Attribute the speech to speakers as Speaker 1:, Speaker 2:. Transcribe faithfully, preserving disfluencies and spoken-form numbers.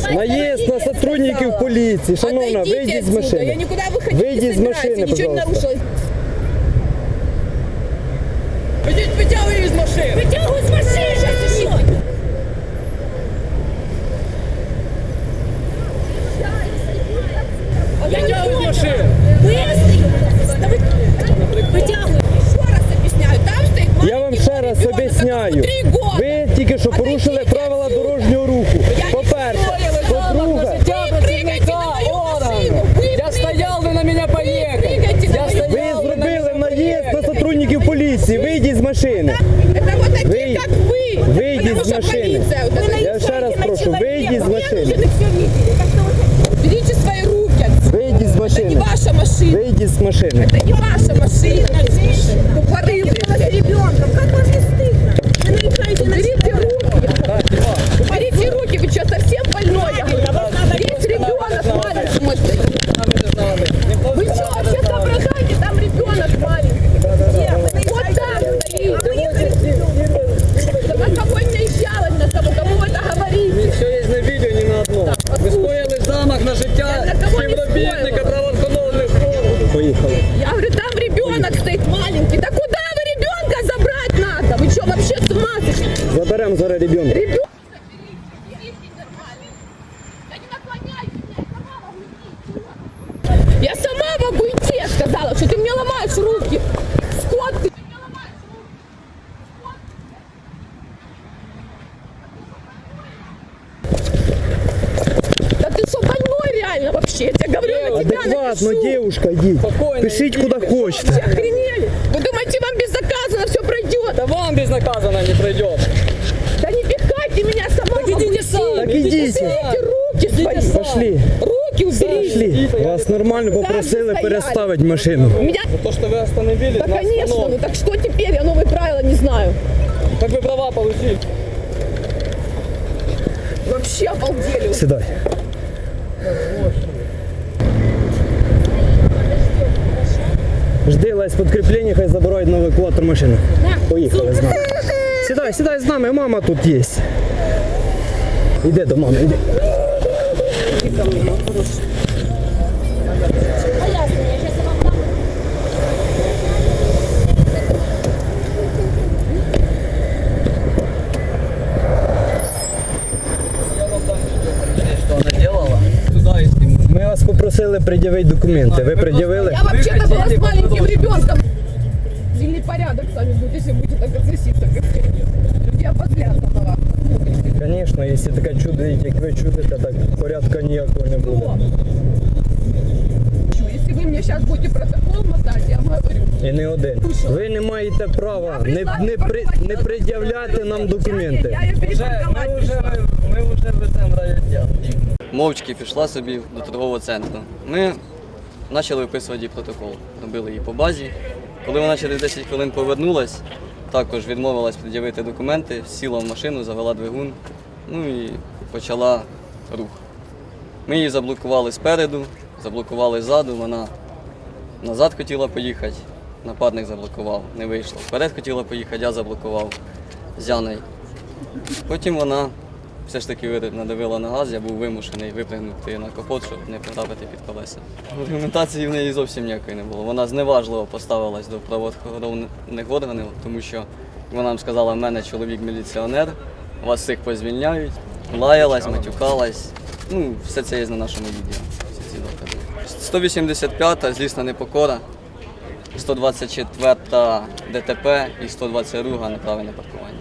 Speaker 1: Наезд на сотрудников полиции. Шановна, выйди из машины.
Speaker 2: Я никуда выходить
Speaker 1: Выйди
Speaker 2: не
Speaker 1: из
Speaker 2: собираюсь,
Speaker 1: машины,
Speaker 2: я ничего не
Speaker 1: пожалуйста.
Speaker 2: нарушила. Вытягивай из машины. Вытягивай из машины, сейчас еще. Вытягивай из машины. Вытягивай. Еще раз объясняю, там стоит маленький
Speaker 1: Я вам ще раз
Speaker 2: ребенок,
Speaker 1: об'ясняю.
Speaker 2: которому три года.
Speaker 1: Ви тільки що порушили правила дорожнього руху. По-перше, по-друге,
Speaker 2: Вы прыгайте на мою машину. Вы
Speaker 3: Я стоял, вы на меня поехали.
Speaker 2: прыгайте на
Speaker 3: Я
Speaker 2: мою
Speaker 3: стоял.
Speaker 1: ви зробили наїзд на сотрудників поліції. Вийдіть з машини.
Speaker 2: Это вот такие,
Speaker 1: Вы-
Speaker 2: как вы.
Speaker 1: выйди
Speaker 2: Потому
Speaker 1: из
Speaker 2: что
Speaker 1: машины.
Speaker 2: полиция вот это.
Speaker 1: Я ще раз прошу, вийдіть з машини.
Speaker 2: Берите свои руки отсюда.
Speaker 1: Вийдіть з
Speaker 2: Это не
Speaker 1: машини.
Speaker 2: ваша машина.
Speaker 1: Вийдіть з машини.
Speaker 2: Это не ваша машина. Тупорылые, блядь.
Speaker 4: Ребенком, как вам не стыдно? Вы наезжаете на
Speaker 2: Уберите руки. Уберите руки, вы что, совсем больной? Есть ребенок маленький, мой стоит. Вы что, вообще соображаете? Там ребенок маленький. Вот так стоит. Да на кого не наезжалась на кого? Кому вы это говорите?
Speaker 3: Все є на відео, ні на одному. Ви скоїли замах на життя
Speaker 2: Я на кого не
Speaker 3: співробітника
Speaker 2: скоїла.
Speaker 3: правоохоронних органів.
Speaker 1: Поїхали.
Speaker 2: Я говорю, там ребенок стоит маленький. Да куда вы ребенка забрать надо? Вы что, вообще с ума сошли?
Speaker 1: Заберемо зараз ребенка.
Speaker 2: Ребенок. Я сама могу идти, я сказала, что ты мне ломаешь руки. Скот ты. Да ты что, больной реально вообще? Я тебе говорю, на тебя
Speaker 1: Адекватно,
Speaker 2: напишу.
Speaker 1: девушка, йдіть.
Speaker 3: Спокойно,
Speaker 1: Пишіть
Speaker 3: йдіть.
Speaker 1: куди хочете.
Speaker 2: Вы охренели? Вы думаете, вам безнаказанно все пройдет?
Speaker 3: Да вам безнаказанно не пройдет.
Speaker 2: Да не пихайте меня, сама
Speaker 3: Так
Speaker 2: могу
Speaker 3: идите
Speaker 2: идти.
Speaker 3: сами.
Speaker 1: Так идите.
Speaker 2: Уберите руки свои.
Speaker 3: сами.
Speaker 1: Пошли.
Speaker 2: Руки уберите.
Speaker 1: Пішли. Вас нормально попросили
Speaker 2: стояли.
Speaker 1: переставити машину.
Speaker 2: Меня...
Speaker 3: То, что вы остановились
Speaker 2: Да,
Speaker 3: на
Speaker 2: конечно, ну
Speaker 3: остановке.
Speaker 2: так что теперь? Я новые правила не знаю.
Speaker 3: Так вы права получили.
Speaker 2: Вообще обалдели.
Speaker 1: Сідай. Жди лезь підкріплення, хай забирають на евакуатор машину. Поїхали з нами. Сідай, сідай з нами, мама тут є. Іди до мами, іди.
Speaker 3: Что она делала? Туда и сниму.
Speaker 1: Ми вас попросили пред'явити документи. Ви пред'явили?
Speaker 2: Я вообще-то была с маленьким ребенком. Сильный порядок с вами будет, если будете так относиться. Как... Я подлянка на вас.
Speaker 1: Звісно, якщо таке чудо, як ви чудите, так порядку ніякого не буде.
Speaker 2: Если вы мне сейчас будете протокол мотать, я вам говорю.
Speaker 1: І не один. Ви не маєте права не, не, при, не пред'являти нам документи.
Speaker 2: Я ее
Speaker 3: Вже,
Speaker 2: перепарковать
Speaker 3: ми вже,
Speaker 2: пришла.
Speaker 3: ми вже веземо в райвідділ.
Speaker 5: Мовчки пішла собі до торгового центру. Ми почали виписувати їй протокол, робили її по базі. Коли вона через десять хвилин повернулась, також відмовилась пред'явити документи, сіла в машину, завела двигун, ну і почала рух. Ми її заблокували спереду, заблокували ззаду, вона назад хотіла поїхати, нападник заблокував, не вийшло. Вперед хотіла поїхати, я заблокував з Яною. Потім вона все ж таки надавила на газ, я був вимушений випрыгнути на капот, щоб не потрапити під колеса. Аргументації в неї зовсім ніякої не було. Вона зневажливо поставилась до правоохоронних органів, тому що вона нам сказала, в мене чоловік міліціонер, вас всіх позвільняють, лаялась, матюкалась. Ну, все це є на нашому відео. Всі ці докази. сто вісімдесят п'ята злісна непокора, сто двадцять четверта ДТП і сто двадцять друга неправильне паркування.